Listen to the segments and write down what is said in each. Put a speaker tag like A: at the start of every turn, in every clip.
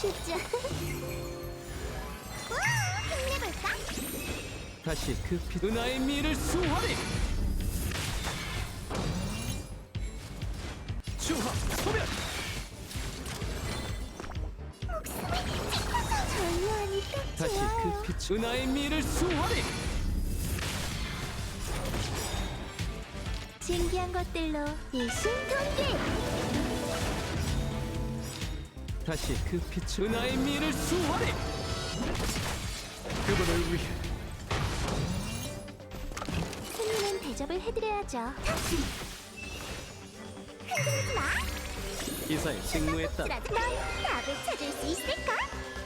A: 쉽지 않... 우와, 힘내볼까?
B: 다시 그 은하의 미를 수호하리. 주화 소멸.
A: 목숨을 지켜서 절묘하니 딱
B: 다시
A: 좋아요.
B: 그 빛 은하의 미를 수호하리.
A: 신기한 것들로 일심동기.
B: 다시 그 빛 은하의 미를 수호하리. 그분을 위해
A: 손님은 대접을 해드려야죠. 흔들리지 마.
B: 기사에 직무했다.
A: 넌 답을 찾을 수 있을까?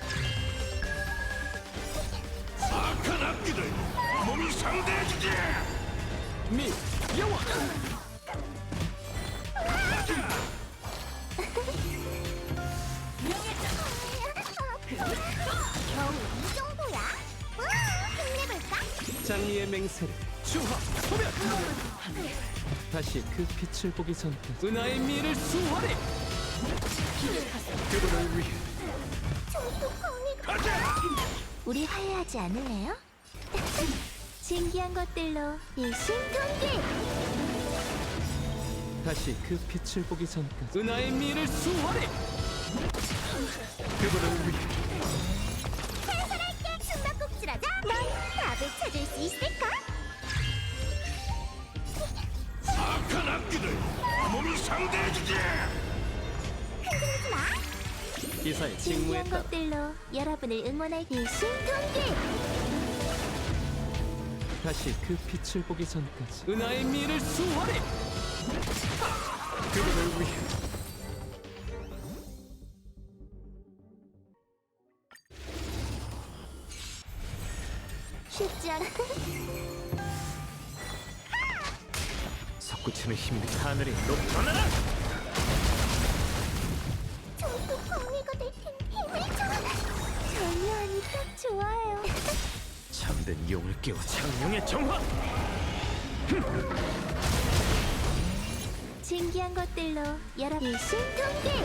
C: 악한 악기들 몸이 상대해주지.
B: 미 영원.
A: 겨우 이 정도야? 우와, 힘내볼까?
B: 장미의 맹세를 주화 소멸. 다시 그 빛을 보기 전까지 은하의 미를 수호하리. 그분을 위해
A: 저도 공이가
C: 가자.
A: 우리 화해하지 않을래요? 신기한 것들로 일심동기.
B: 다시 그 빛을 보기 전까지 은하의 미를 수호하리. 그분을 위해
A: 해설할게. 숨바꼭질하자. 넌 답을 찾을 수 있을까?
C: 악한 악기들 몸이 상대해주지.
A: 흔들리지 마.
B: 기사에
A: 신기한
B: 직무했다.
A: 것들로 여러분을 응원할 일심동기.
B: 다시 그 빛을 보기 전까지 은하의 미를 수호하리. 그분을 위해
A: 쉽지 않아.
B: 솟구치는 힘이 하늘이 높아나라.
A: 저도 공이가 될 텐데 힘을 줘. 절묘하니 딱 좋아요.
B: 잠든 용을 깨워 창룡의 정화.
A: 신기한 것들로 여러분 일심동기.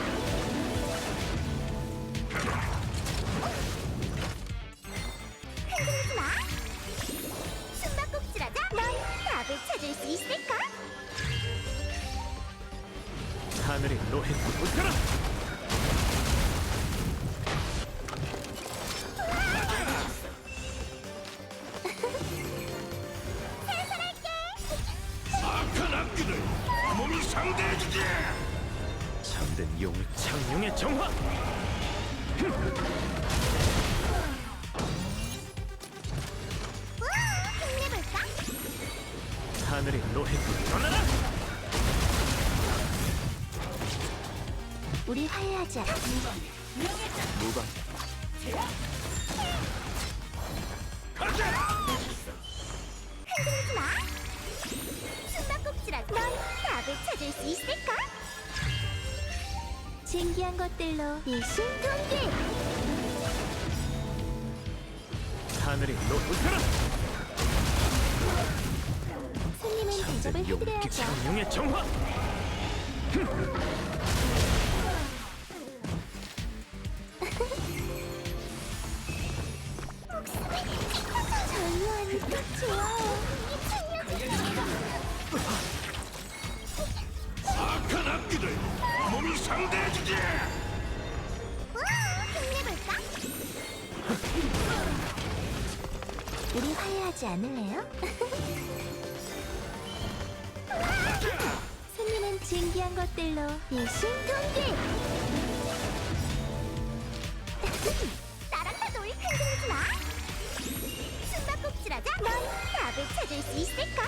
A: 흔들리지 마. 숨바꼭질하자. 넌 답을 찾을 수 있을까?
B: 하늘이 노해 붙어라.
C: 악한 악기들 몸이 상대해주지.
B: 잠든 용을 창룡의 정화.
A: 우와, 힘내볼까?
B: 하늘이 노해 붙어라.
A: 우리 화해하지 않아.
B: 무방
C: 가자.
A: 흔들리지 마. 숨바꼭질하자. 넌 답을 찾을 수 있을까? 신기한 것들로 일심동기.
B: 하늘이 높아라.
A: 손님은 대접을 해드려야죠.
B: 창룡의 정화.
A: 절묘하니 딱 좋아요.
C: 악한 악기들 몸이 상대해주지.
A: 우와, 힘내볼까? 우리 화해하지 않을래요? 손님은 신기한 것들로 일심동기. 나랑 다 놀. 흔들리지 마. 숨바꼭질하자. 넌 답을 찾을 수 있을까?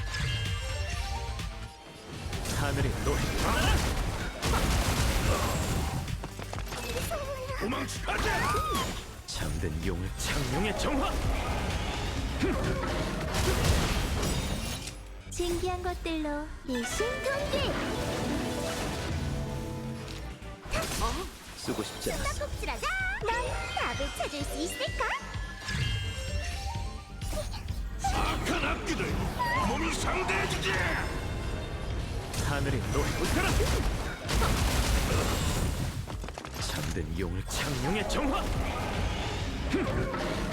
B: 하늘이 노해.
C: 도망치 가자.
B: 잠든 용을 창룡의 정화.
A: 신기한 것들로 일심동기.
B: 쓰고 싶지 않았어.
A: 숨바꼭질하자. 넌 답을 찾을 수 있을까?
C: 악한 악기들 몸이 상대해주지.
B: 하늘이 노해 붙어라. 잠든 용을 창룡의 정화!